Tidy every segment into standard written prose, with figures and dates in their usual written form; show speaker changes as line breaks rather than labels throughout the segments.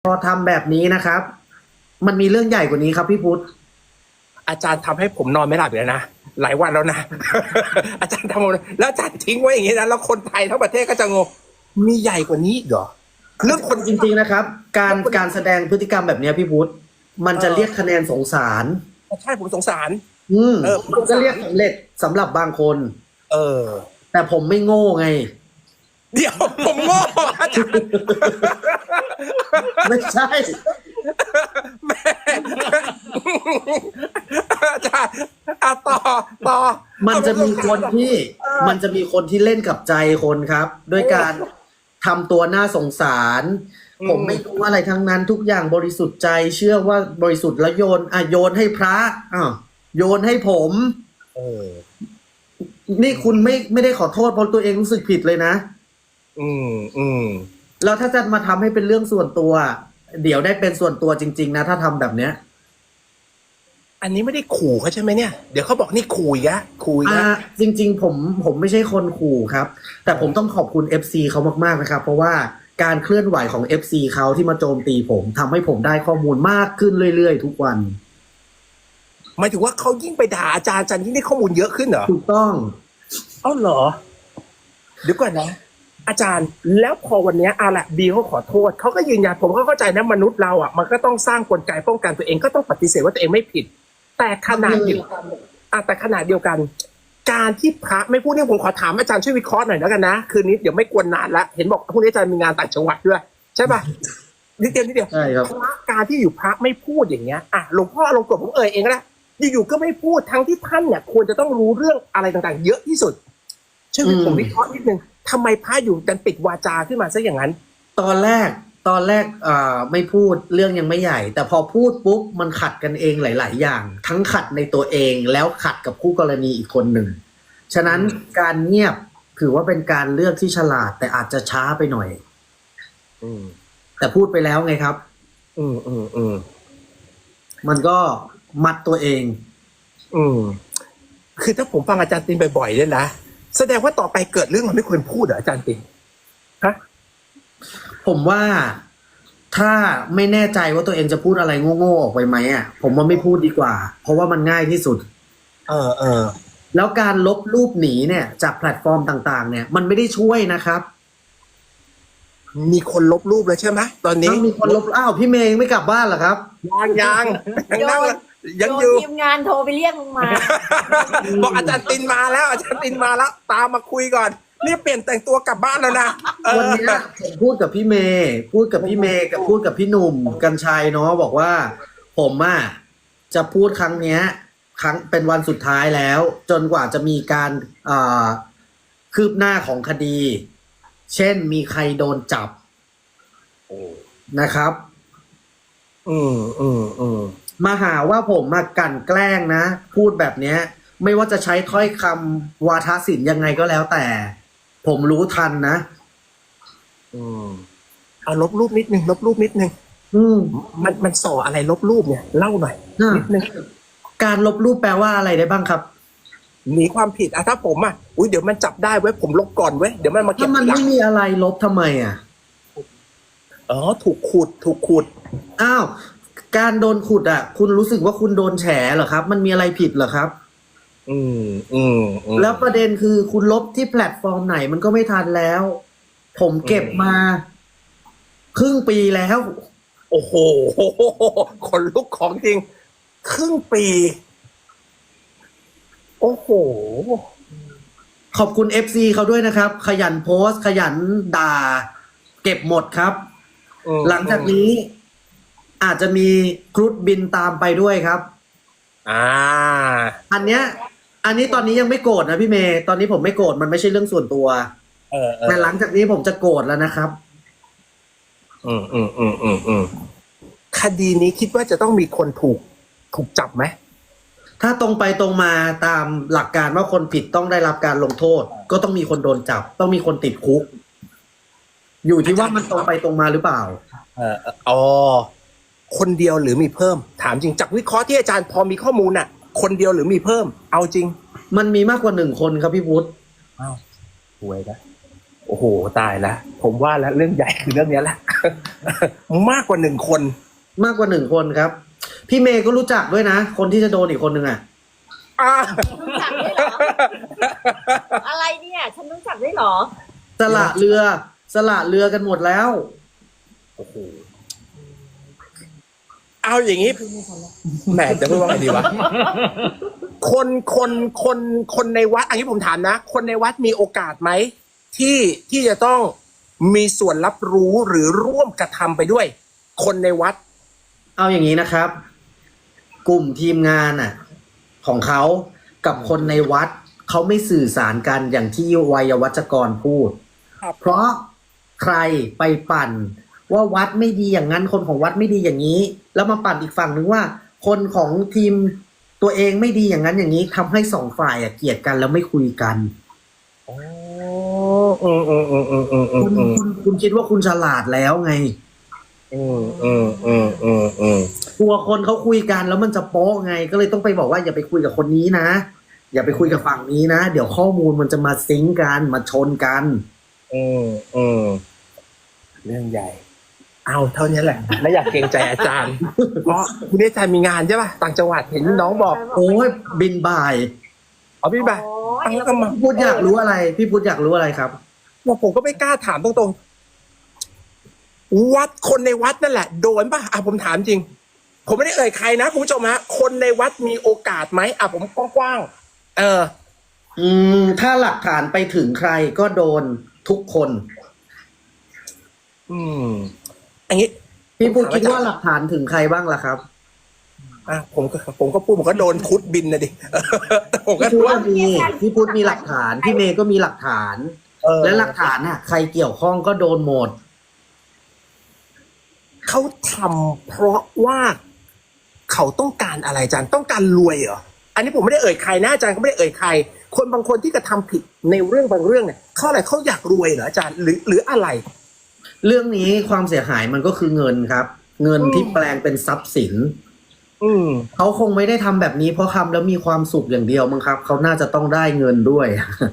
พอทำแบบนี้นะครับ มันมีเรื่องใหญ่กว่านี้ครับพี่พุทธ
อาจารย์ทำให้ผมนอนไม่หลับเลยนะหลายวันแล้วนะ อาจารย์ทำแล้วอาจารย์ทิ้งไว้อย่างนี้นะแล้วคนไทยทั้งประเทศก็จะงงมีใหญ่กว่านี้อีกเหรอเรื่องคน
จริงๆนะครับ การแสดงพฤติกรรมแบบนี้พี่พุทธมันจะเรียกคะแนนสงสาร
ใช่ผมสงสาร
มันก็เรียกสำเร็จสำหรับบางคน แต่ผมไม่โง่ไง
เดี๋ยวผมโง่อาจารย์
ไม่ใช่
แม่อาจารย์ต่อ
มันจะมีคนที่เล่นกับใจคนครับ ด้วยการทำตัวน่าสงสาร ผมไม่รู้อะไรทั้งนั้นทุกอย่างบริสุทธิ์ใจเชื่อว่าบริสุทธิ์แล้วโยนให้พระโยนให้ผมนี่คุณไม่ได้ขอโทษเพราะตัวเองรู้สึกผิดเลยนะแล้วถ้าจะมาทำให้เป็นเรื่องส่วนตัว เดี๋ยวได้เป็นส่วนตัวจริงๆนะถ้าทำแบบเนี้ย
อันนี้ไม่ได้ขู่เขาใช่ไหมเนี่ยเดี๋ยวเขาบอกนี่ขู่อีกแล้ว
จริงๆผมไม่ใช่คนขู่ครับแต่ผมต้องขอบคุณ FC เขามากๆนะครับเพราะว่าการเคลื่อนไหวของ FC เขาที่มาโจมตีผมทำให้ผมได้ข้อมูลมากขึ้นเรื่อยๆทุกวัน
หมายถึงว่าเขายิ่งไปด่าอาจารย์ยิ่งได้ข้อมูลเยอะขึ้นเหรอ
ถูกต้อง
เหรอเดี๋ยวก่อนนะอาจารย์แล้วพอวันนี้แหละบีเขาขอโทษเขาก็ยืนยันผมก็เข้าใจนะมนุษย์เรามันก็ต้องสร้างกลไกป้องกันตัวเองก็ต้องปฏิเสธว่าตัวเองไม่ผิดแต่ขนาดเดียวกันการที่พระไม่พูดเนี่ยผมขอถามอาจารย์ช่วยวิเคราะห์หน่อยแล้วกันนะคืนนี้เดี๋ยวไม่กวนนานละเห็นบอกพรุ่งนี้อาจารย์มีงานต่างจังหวัดด้วยใช่ป่ะนิดเดียว
ใช่ครับ
การที่อยู่พระไม่พูดอย่างเงี้ยหลวงพ่อลงกฎผมเองก็ได้อยู่ๆก็ไม่พูดทั้งที่ท่านเนี่ยควรจะต้องรู้เรื่องอะไรต่างๆเยอะที่สุดช่วยผมวิเคราะห์นิดนึงทำไมพระอยู่ดันปิดวาจาขึ้นมาซะอย่างนั้น
ตอนแรกไม่พูดเรื่องยังไม่ใหญ่แต่พอพูดปุ๊บมันขัดกันเองหลายๆอย่างทั้งขัดในตัวเองแล้วขัดกับคู่กรณีอีกคนหนึ่งฉะนั้นการเงียบถือว่าเป็นการเลือกที่ฉลาดแต่อาจจะช้าไปหน่อยแต่พูดไปแล้วไงครับมันก็มัดตัวเอง
คือถ้าผมฟังอาจารย์ตินบ่อยๆเนี่ยนะแสดงว่าต่อไปเกิดเรื่องมันไม่ควรพูดเหรออาจารย์ตินฮะ
ผมว่าถ้าไม่แน่ใจว่าตัวเองจะพูดอะไรโง่ๆออกไปไหมผมว่าไม่พูดดีกว่าเพราะว่ามันง่ายที่สุดแล้วการลบรูปหนีเนี่ยจากแพลตฟอร์มต่างๆเนี่ยมันไม่ได้ช่วยนะครับ
มีคนลบรูปเลยใช่ไหมตอนนี้
มีคนลบพี่เมย์ไม่กลับบ้านเหรอครับ
ยัง
ยังอยู่ทีมงานโทรไปเรียกมึงมา
บอกอาจารย์ตินมาแล้วตามมาคุยก่อนนี่เปลี่ยนแต่งตัวกลับบ้านแล้วนะ
วันนี้ผมพูดกับพี่เมย์พูดกับพี่หนุ่มกัญชัยเนาะบอกว่าผมจะพูดครั้งเป็นวันสุดท้ายแล้วจนกว่าจะมีการคืบหน้าของคดีเช่นมีใครโดนจับนะครับมาหาว่าผมกลั่นแกล้งนะพูดแบบเนี้ยไม่ว่าจะใช้ถ้อยคำวาทศิลป์ยังไงก็แล้วแต่ผมรู้ทันนะ
เอาลบรูปนิดนึงมันส่ออะไรลบรูปเนี่ยเล่าหน่อยนิดนึง
การลบรูปแปลว่าอะไรได้บ้างครับ
หนีความผิดถ้าผมเดี๋ยวมันจับได้เว้ยผมลบก่อนเว้ยเดี๋ยวมันมาเก็บ
ถ้ามันไม่มีอะไรลบทำไม
ถูกขุด
การโดนขุดคุณรู้สึกว่าคุณโดนแฉเหรอครับมันมีอะไรผิดเหรอครับแล้วประเด็นคือคุณลบที่แพลตฟอร์มไหนมันก็ไม่ทันแล้วผมเก็บมาครึ่งปีแล้ว
โอ้โหคนลุกของจริงครึ่งปีโอ้โห
ขอบคุณ FC เขาด้วยนะครับขยันโพสต์ขยันด่าเก็บหมดครับหลังจากนี้อาจจะมีครุฑบินตามไปด้วยครับอันนี้ตอนนี้ยังไม่โกรธนะพี่เมย์ตอนนี้ผมไม่โกรธมันไม่ใช่เรื่องส่วนตัวแต่หลังจากนี้ผมจะโกรธแล้วนะครับ
คดีนี้คิดว่าจะต้องมีคนถูกจับไหม
ถ้าตรงไปตรงมาตามหลักการว่าคนผิดต้องได้รับการลงโทษก็ต้องมีคนโดนจับต้องมีคนติดคุกอยู่ที่ว่ามันตรงไปตรงมาหรือเปล่า
คนเดียวหรือมีเพิ่มถามจริงจากวิเคราะห์ที่อาจารย์พอมีข้อมูลคนเดียวหรือมีเพิ่มเอาจริง
มันมีมากกว่า1 คนครับพี่พุทธ
สวยนะโอ้โหตายแล้วผมว่าแล้วเรื่องใหญ่คือเรื่องนี้แหละมากกว่าหนึ่งคน
มากกว่าหนึ่งคนครับ พี่เมย์ก็รู้จักด้วยนะ คนที่จะโดนอีกคนหนึ่งอ่ะ
อ่า
รู้จักด้วยเหรอ อะไรเนี่ย ฉันรู้จักด้วยเหรอ
สละเรือสละเรือกันหมดแล้ว
โอ้โหเอาอย่างนี้แหมจะพูดว่าไงดีวะคนในวัดอันนี้ผมถามนะ คนในวัดมีโอกาสไหมที่จะต้องมีส่วนรับรู้หรือร่วมกระทำไปด้วย คนในวัด
เอาอย่างนี้นะครับ กลุ่มทีมงานอ่ะ ของเขากับคนในวัดเขาไม่สื่อสารกันอย่างที่วัยวัจกรพูด
ครับ
เพราะใครไปปั่นว่าวัดไม่ดีอย่างนั้นคนของวัดไม่ดีอย่างนี้ แล้วมาปั่นอีกฝั่งนึงว่า คนของทีมตัวเองไม่ดีอย่างนั้นอย่างนี้ทำให้สองฝ่ายเกลียดกันแล้วไม่คุยกัน
โอ้
คุณคิดว่าคุณฉลาดแล้วไงกลัวคนเขาคุยกันแล้วมันจะโป๊ะไง ก็เลยต้องไปบอกว่าอย่าไปคุยกับคนนี้นะอย่าไปคุยกับฝั่งนี้นะเดี๋ยวข้อมูลมันจะมาซิงก์กันมาชนกัน
เรื่องใหญ่ เอาเท่านี้แหละไม่อยากเกรงใจอาจารย์ เพราะคุณอาจารย์มีงานใช่ป่ะต่างจังหวัดเห็นน้องบอก
โอ้ยบินบ่าย
เอาพี่บ่าตั้งแล้วก็มา
พี่พุทธอยากรู้อะไรพี่พุทธอยากรู้อะไรครับ
ว่าผมก็ไม่กล้าถามตรงๆวัดคนในวัดนั่นแหละโดนป่ะผมถามจริง ผมไม่ได้เอ่ยใครนะคุณผู้ชมฮะคนในวัดมีโอกาสไหมผมกว้างๆ
ถ้าหลักฐานไปถึงใครก็โดนทุกคน
อันนี้
พี่พุทธคิดว่าหลักฐานถึงใครบ้างล่ะครับ
ผมก็พูดผมก็โดนพุทธบินนะดิผมก็
พี่พุทธมีหลักฐานพี่เมย์ก็มีหลักฐานและหลักฐานน่ะใครเกี่ยวข้องก็โดนหมด
เขาทำเพราะว่าเขาต้องการอะไรอาจารย์ต้องการรวยเหรออันนี้ผมไม่ได้เอ่ยใครนะอาจารย์ก็ไม่ได้เอ่ยใครคนบางคนที่กระทำผิดในเรื่องบางเรื่องเนี่ยเขาอะไรเขาอยากรวยเหรออาจารย์หรืออะไร
เรื่องนี้ความเสียหายมันก็คือเงินครับเงินที่แปลงเป็นทรัพย์สินเขาคงไม่ได้ทำแบบนี้เพราะทำแล้วมีความสุขอย่างเดียวมั้งครับเขาน่าจะต้องได้เงินด้วย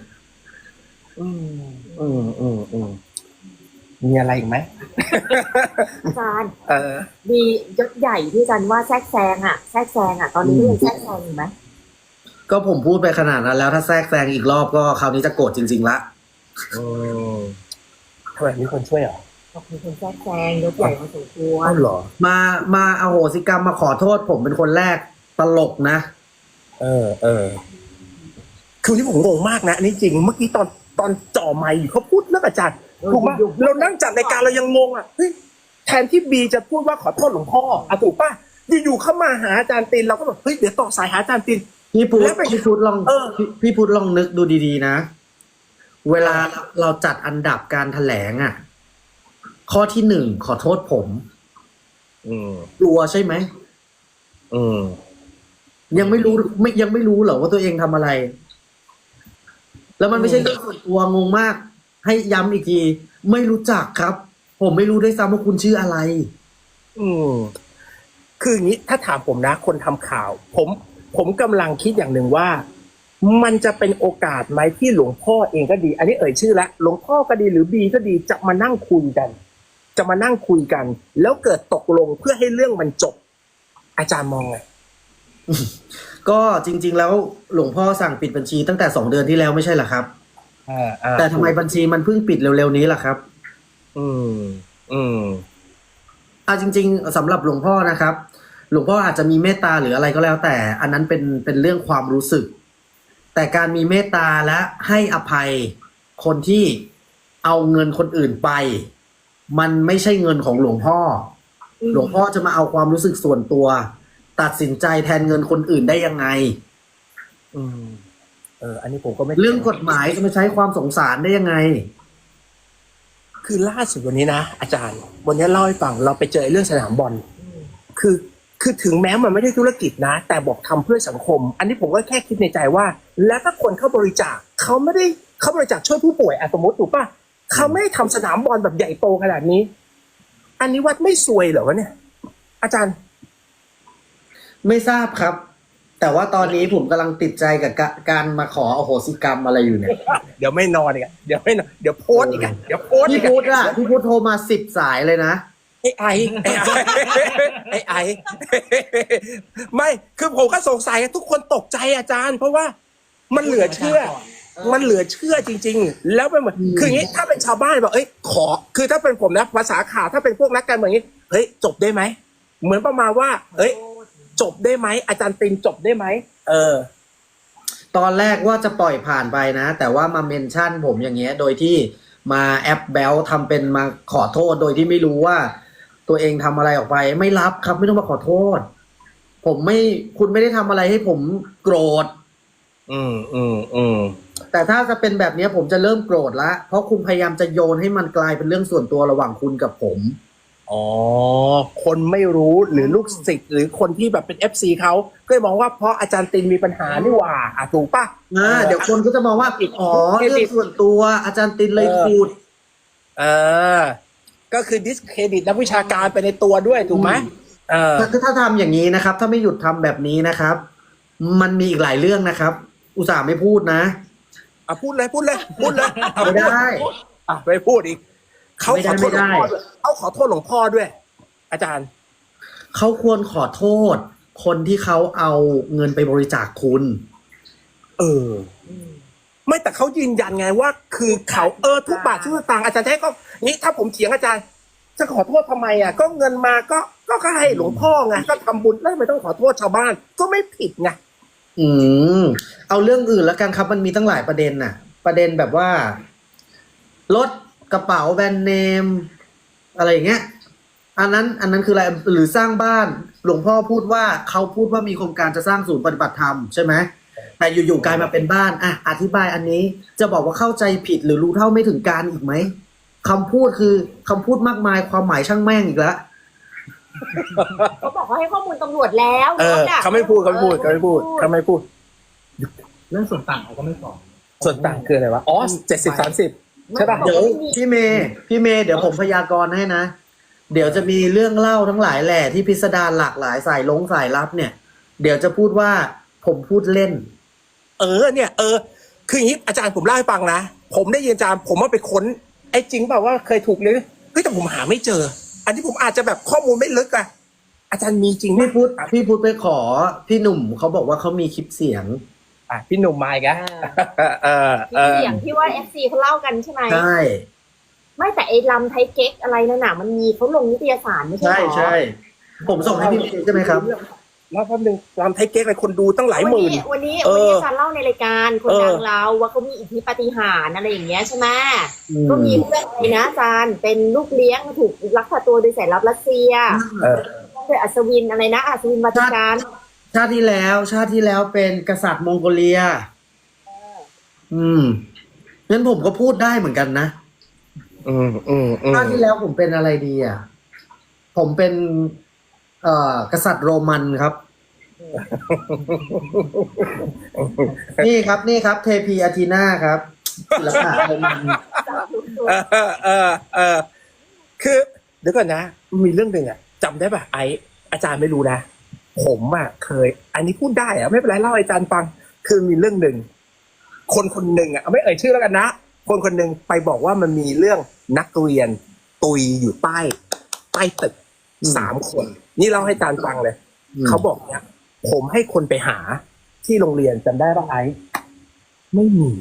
มีอะไรอีกไหม
อาจารย์มียศใหญ่ที่อาจารย์ว่าแทรกแซงตอนนี้ยังแทรกแซงอยู่ไหม
ก็ผมพูดไปขนาดนั้นแล้วถ้าแทรกแซงอีกรอบก็คราวนี้จะโกรธจริงๆละ
ทำไมมีคนช่วยเหรอ
มีคนแทรกแซงยศใหญ่มาสมควร
เหรอ
มาอโหสิกรรมมาขอโทษผมเป็นคนแรกตลกนะ
คือที่ผมงงมากนะนี่จริงเมื่อกี้ตอนจ่อไมค์อยู่เขาพูดเรื่องอาจารย์ถูกป่ะเรานั่งจัดรายการเรายังงงเฮ้ยแทนที่บีจะพูดว่าขอโทษหลวงพ่อถูกป่ะอยู่ๆเข้ามาหาอาจารย์ตินเราก็แบบเฮ้ยเดี๋ยวต่อสายหาอาจารย์ติน
พี่พุทธลองพี่พุทธลองนึกดูดีๆนะเวลาเราจัดอันดับการแถลงข้อที่หนึ่งขอโทษผมกลัวใช่ไหมยังไม่รู้เหรอว่าตัวเองทำอะไร แล้วมันไม่ใช่เรื่องส่วนตัวงงมากให้ย้ำอีกทีไม่รู้จักครับผมไม่รู้ด้วยซ้ำว่าคุณชื่ออะไร
คืออย่างนี้ถ้าถามผมนะคนทำข่าวผมกำลังคิดอย่างหนึ่งว่ามันจะเป็นโอกาสไหมที่หลวงพ่อเองก็ดีอันนี้เอ่ยชื่อละหลวงพ่อก็ดีหรือบีก็ดีจะมานั่งคุยกันแล้วเกิดตกลงเพื่อให้เรื่องมันจบอาจารย์มองไง
ก็จริงๆแล้วหลวงพ่อสั่งปิดบัญชีตั้งแต่2 เดือนที่แล้วไม่ใช่เหรอครับแต่ทำไมบัญชีมันเพิ่งปิดเร็วๆนี้ล่ะครับจริงๆสำหรับหลวงพ่อนะครับหลวงพ่ออาจจะมีเมตตาหรืออะไรก็แล้วแต่อันนั้นเป็นเรื่องความรู้สึกแต่การมีเมตตาและให้อภัยคนที่เอาเงินคนอื่นไปมันไม่ใช่เงินของหลวงพ่อหลวงพ่อจะมาเอาความรู้สึกส่วนตัวตัดสินใจแทนเงินคนอื่นได้ยังไง
อันนี้ผมก็ไม่
เรื่องกฎหมายจะมาใช้ความสงสารได้ยังไง
คือล่าสุดวันนี้นะอาจารย์วันนี้เล่าให้ฟังเราไปเจอเรื่องสนามบอลคือถึงแม้มันไม่ได้ธุรกิจนะแต่บอกทำเพื่อสังคมอันนี้ผมก็แค่คิดในใจว่าแล้วถ้าคนเข้าบริจาคเขาไม่ได้เขาบริจาคช่วยผู้ป่วยสมมติถูกป่ะเขาไม่ได้ทำสนามบอลแบบใหญ่โตขนาดนี้อันนี้วัดไม่ซวยเหรอวะเนี่ยอาจารย์
ไม่ทราบครับแต่ว่าตอนนี้ผมกำลังติดใจกับการมาขออโหสิกรรมอะไรอยู่เนี่ย
เดี๋ยวไม่นอนอีกอะเดี๋ยวไม่นอนเดี๋ยวโพสต์อีกอะเดี๋ยวโพสต์อี
พี่
ก
พุทธ
อะ
พี่พุทธโทรมา10 สายเลยนะ
ไอ้ ไม่คือผมก็สงสัยทุกคนตกใจอาจารย์ เพราะว่ามันเหลือเชื่อ มันเหลือเชื่อจริง ๆ แล้วเป็นเหมือนคืออย่างนี้ถ้าเป็นชาวบ้านบอกขอคือถ้าเป็นผมนะภาษาข่าวถ้าเป็นพวกนักการเมืองอย่างนี้จบได้ไหมเหมือนประมาณว่าจบได้ไหมอาจารย์ตินจบได้ไหม
ตอนแรกว่าจะปล่อยผ่านไปนะ แต่ว่ามาเมนชั่นผมอย่างเงี้ยโดยที่มาแอปแบลทำเป็นมาขอโทษโดยที่ไม่รู้ว่าตัวเองทำอะไรออกไปไม่รับครับไม่ต้องมาขอโทษคุณไม่ได้ทำอะไรให้ผมโกรธแต่ถ้าจะเป็นแบบนี้ผมจะเริ่มโกรธละเพราะคุณพยายามจะโยนให้มันกลายเป็นเรื่องส่วนตัวระหว่างคุณกับผม
คนไม่รู้หรือลูกศิษย์หรือคนที่แบบเป็น FC เขาก็เลยมองว่าเพราะอาจารย์ตินมีปัญหานี่หว่าถูกปะ
เดี๋ยวคนก็จะมองว่าเรื่องส่วนตัวอาจารย์ตินเลยพูด
ก็คือดิสเครดิตนักวิชาการไปในตัวด้วยถูกไหม
ถ้าทำอย่างนี้นะครับถ้าไม่หยุดทำแบบนี้นะครับมันมีอีกหลายเรื่องนะครับอุตส่าห์ไม่พูดนะ
พูดเลย
ไม่ได้
ไปพูดอีกเขาขอโทษหลวงพ่อด้วยเขาขอโทษหลวงพ่อด้วยอาจารย์
เขาควรขอโทษคนที่เขาเอาเงินไปบริจาคคุณ
ไม่แต่เขายืนยันไงว่าคือเขาทุกบาททุกสตางค์อาจารย์แท้ก็นี้ถ้าผมเถียงอาจารย์จะขอโทษทำไมก็เงินมาก็ให้หลวงพ่อไงก็ทำบุญแล้วทำไมต้องขอโทษชาวบ้านก็ไม่ผิดไง
เอาเรื่องอื่นแล้วกันครับมันมีตั้งหลายประเด็นน่ะประเด็นแบบว่ารถกระเป๋าแบรนด์เนมอะไรอย่างเงี้ยอันนั้นคืออะไรหรือสร้างบ้านหลวงพ่อพูดว่าเขาพูดว่ามีโครงการจะสร้างศูนย์ปฏิบัติธรรมใช่ไหมแต่อยู่ๆกลายมาเป็นบ้านอธิบายอันนี้จะบอกว่าเข้าใจผิดหรือรู้เท่าไม่ถึงการอีกไหมคำพูดคือคำพูดมากมายความหมายช่างแม่งอีกแล้ว
เขาบอกเขาให้ข้อมูลตำรวจแล้ว
เขาไม่พูด
เรื่องส่วนต่างเขาก็ไม่บอก
ส่วนต่างคืออะไรวะ70-30ใช่ป่ะ
เดี๋ยวพี่เมย์เดี๋ยวผมพยากรณ์ให้นะเดี๋ยวจะมีเรื่องเล่าทั้งหลายแหล่ที่พิสดารหลากหลายสายลับเนี่ยเดี๋ยวจะพูดว่าผมพูดเล่น
เนี่ยคืออย่างนี้อาจารย์ผมเล่าให้ฟังนะผมได้ยินอาจารย์ผมว่าไปค้นจริงเปล่าว่าเคยถูกเลยแต่ผมหาไม่เจออันนี้ผมอาจจะแบบข้อมูลไม่ลึกอาจารย์มีจริง
พี่พูดไปขอพี่หนุ่มเขาบอกว่าเขามีคลิปเสียง
พี่หนุ่มมาอีกแล้ว
เสียงที่ว่า FC เขาเล่ากันใช่ไหม
ใช่
ไม่แต่ไอ้ลำไทยเก๊กอะไรนั่นน่ะมันมีเขาลงนิตยสารไม่ใช่หรอ
ใช่ผมส่งให้พี่ใช่ไหมครับ
แล้วแป๊บนึงลำไทยเก๊กอะไรคนดูตั้งหลายหมื่น
วันนี้อาจารย์เล่าในรายการคนดังเราว่าเขามีอิทธิปาฏิหาริย์อะไรอย่างเงี้ยใช่ไหมก็มีเพื่อนอะไรนะอาจารย์เป็นลูกเลี้ยงถูกลักพาตัวโดยสายลับรัสเซียโดยอัศวินอะไรนะอัศวินวัติกัน
ชาติที่แล้วเป็นกษัตริย์มองโกเลียงั้นผมก็พูดได้เหมือนกันนะชาติที่แล้วผมเป็นอะไรดีผมเป็นกษัตริย์โรมันครับ นี่ครับเทพีอาทีนาครับศิลปะโรมัน
คือเดี๋ยวก่อนนะมีเรื่องหนึ่งจำได้ป่ะอาจารย์ไม่รู้นะผมเคยอันนี้พูดได้ไม่เป็นไรเล่าอาจารย์ฟังคือมีเรื่องหนึ่งคนหนึ่งไม่เอ่ยชื่อแล้วกันนะคนหนึ่งไปบอกว่ามันมีเรื่องนักเรียนตุยอยู่ใต้ตึก3 คนนี่เล่าให้อาจารย์ฟังเลยเขาบอกเนี่ยผมให้คนไปหาที่โรงเรียนจำได้ป่ะไม่มี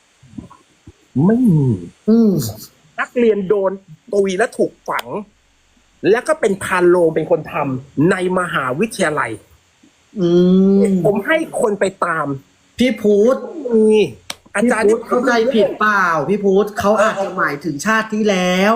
นักเรียนโดนตุยและถูกฝังแล้วก็เป็นพานโลงเป็นคนทำในมหาวิทยาลัยผมให้คนไปตาม
พี่พูดอาจารย์เข้าใจผิดเปล่าพี่พูดเขาอาจจะหมายถึงชาติที่แล้ว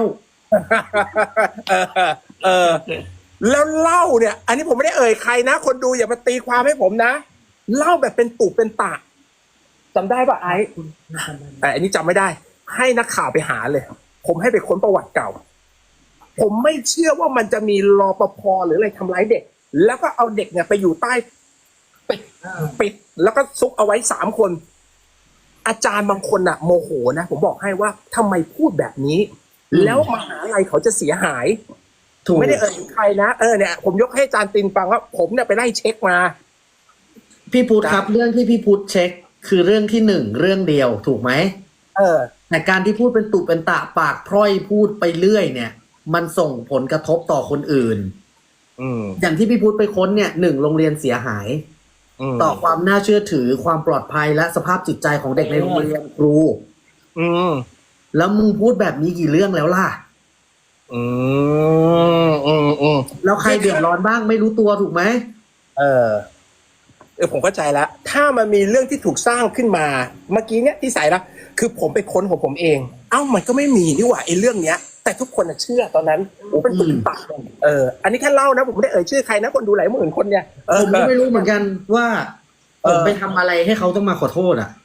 แล้วเล่าเนี่ยอันนี้ผมไม่ได้เอ่ยใครนะคนดูอย่ามาตีความให้ผมนะเล่าแบบเป็นตุเป็นตะจำได้ป่ะแต่อันนี้จำไม่ได้ให้นักข่าวไปหาเลยผมให้ไปค้นประวัติเก่าผมไม่เชื่อว่ามันจะมีรปภหรืออะไรทำร้ายเด็กแล้วก็เอาเด็กเนี่ยไปอยู่ใต้ปิดแล้วก็ซุกเอาไว้3 คนอาจารย์บางคนโมโหนะผมบอกให้ว่าทำไมพูดแบบนี้แล้วมหาลัยเขาจะเสียหายไม่ได้เอ่ยใครนะเนี่ยผมยกให้อาจารย์ตินฟังว่าผมเนี่ยไปไล่เช็คมา
พี่พุทธครับ เรื่องที่พี่พุทธเช็คคือเรื่องที่หนึ่งเรื่องเดียวถูกไหม
เออ
แต่การที่พูดเป็นตุเป็นตะปากพร่อยพูดไปเรื่อยเนี่ย มันส่งผลกระทบต่อคนอื่น
อืม
อย่างที่พี่พุทธไปค้นเนี่ยหนึ่งโรงเรียนเสียหาย
ม
ต่อความน่าเชื่อถือความปลอดภัยและสภาพจิตใจของเด็กในโรงเรียนครู
อืม
แล้วมึงพูดแบบนี้กี่เรื่องแล้วล่ะ
อืม
แล้วใครเดือดร้อนบ้างไม่รู้ตัวถูกไหม
เออผมเข้าใจแล้ว ถ้ามันมีเรื่องที่ถูกสร้างขึ้นมา เมื่อกี้เนี่ยที่ใส่ละคือผมไปค้นของผมเอง เอ้ามันก็ไม่มีนี่หว่าไอ้เรื่องเนี้ย แต่ทุกคนน่ะเชื่อตอนนั้นโอ้เป็นตุ่มตักอันนี้แค่เล่านะผมไม่ได้เอ่ยชื่อใครนะคนดูหลายหมื่นคนเนี่ย
ผมก็ไม่รู้เหมือนกันว่าผมไปทำอะไรให้เขาต้องมาขอโทษอ่ะ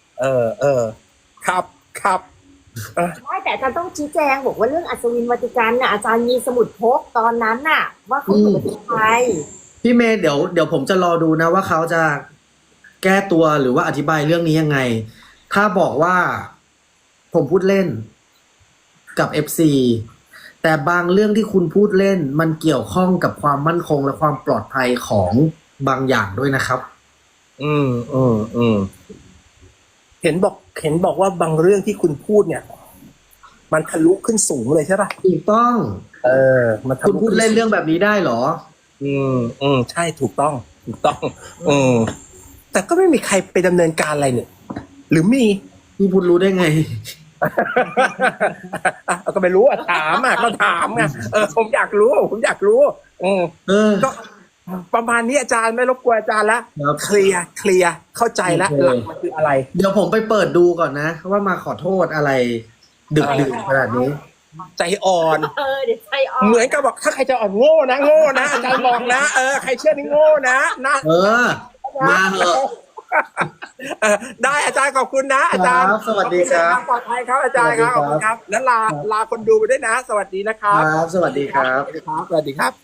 ครับ
ไม่แต่อาจารย์ต้องชี้แจงบอกว่าเรื่องอัศวินวัติกันน่ะอาจารย์มีสมุดพกตอนนั้นน่ะ ว่าเขาอยู่ประเทศไทย
พี่เมย์เดี๋ยวผมจะรอดูนะว่าเขาจะแก้ตัวหรือว่าอธิบายเรื่องนี้ยังไง ถ้าบอกว่าผมพูดเล่นกับ FC แต่บางเรื่องที่คุณพูดเล่นมันเกี่ยวข้องกับความมั่นคงและความปลอดภัยของบางอย่างด้วยนะครับ
อืมเห็นบอกว่าบางเรื่องที่คุณพูดเนี่ย มันทะลุขึ้นสูงเลยใช่ป่ะ
ถูกต้อง
มันทะ
คุณ
ลุ
พูดเล่นเรื่องแบบนี้ได้เหรอ
ใช่ถูกต้อง แต่ก็ไม่มีใครไปดำเนินการอะไรเนี่ย หรือมี
พี่พูดรู้ได้ไง
ก็ไม่รู้ถามก็ถามไงผมอยากรู้ก็ประมาณนี้อาจารย์ไม่รบกวนอาจารย์แล้ว
ครับ
เคลียร์เข้าใจแล้ว
โอเค
หลักมันคืออะไร
เดี๋ยวผมไปเปิดดูก่อนนะ ว่ามาขอโทษอะไร ดึกดื่นขนาดนี้
ใจอ่อน
เดี๋ยวใจอ่อน
เหมือนกับบอกถ้าใครจะอ่อนโง่นะอาจารย์บอกนะใครเชื่อนี่โง่นะ
มาเหอะ
ได้อาจารย์ขอบคุณนะอาจารย์
ครับสวัสดีครับ
ปลอดภัยครับอาจารย์ครับขอบคุณครับแล้วลาคนดูไปด้วยนะ สวัสดีนะครับ
ครับ สวัสดีครับ
สวัสดีครับ